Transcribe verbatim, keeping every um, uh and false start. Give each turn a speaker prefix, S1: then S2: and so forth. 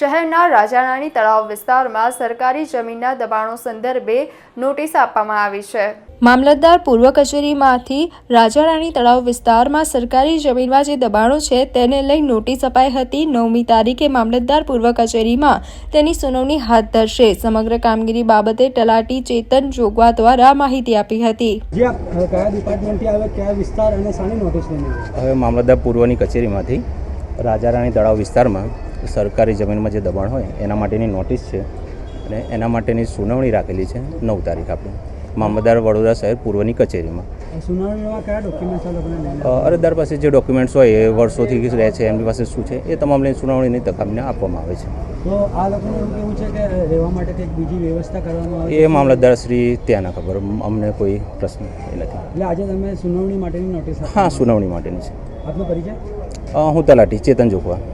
S1: શહેરના રાજારાણી તળાવ વિસ્તારમાં સરકારી જમીનના દબાણો સંદર્ભે નોટિસ આપવામાં આવી છે। મામલતદાર પૂર્વ કચેરીમાંથી રાજારાણી તળાવ વિસ્તારમાં સરકારી જમીનમાં જે દબાણો છે તેને લઈ નોટિસ અપાઈ હતી। નવમી તારીખે મામલતદાર પૂર્વ કચેરીમાં તેની સુનાવણી હાથ ધરશે। સમગ્ર કામગીરી બાબતે તલાટી ચેતન જોગવા દ્વારા માહિતી આપી હતી।
S2: હવે મામલતદાર પૂર્વની કચેરીમાંથી રાજારાણી તળાવ વિસ્તારમાં સરકારી જમીનમાં જે દબાણ હોય એના માટેની નોટિસ છે અને એના માટેની સુનાવણી રાખેલી છે નવ તારીખ આપણે મામલતદાર વડોદરા શહેર પૂર્વની કચેરીમાં। અરજદાર પાસે જે ડોક્યુમેન્ટ્સ હોય એ વર્ષોથી રહે છે, એમની પાસે શું છે એ તમામ લઈને સુનાવણીની તક અમને આપવામાં આવે છે।
S3: તો આ લોકોને એવું કેવું છે કે રહેવા માટે કંઈક બીજી વ્યવસ્થા કરવામાં આવે
S2: એ મામલતદાર શ્રી ત્યાં ના ખબર, અમને કોઈ પ્રશ્ન એ નથી।
S3: એટલે આજે તમે સુનાવણી માટેની નોટિસ?
S2: હા, સુનાવણી માટેની છે।
S3: આપનો પરિચય?
S2: હું તલાટી ચેતન જોગવા।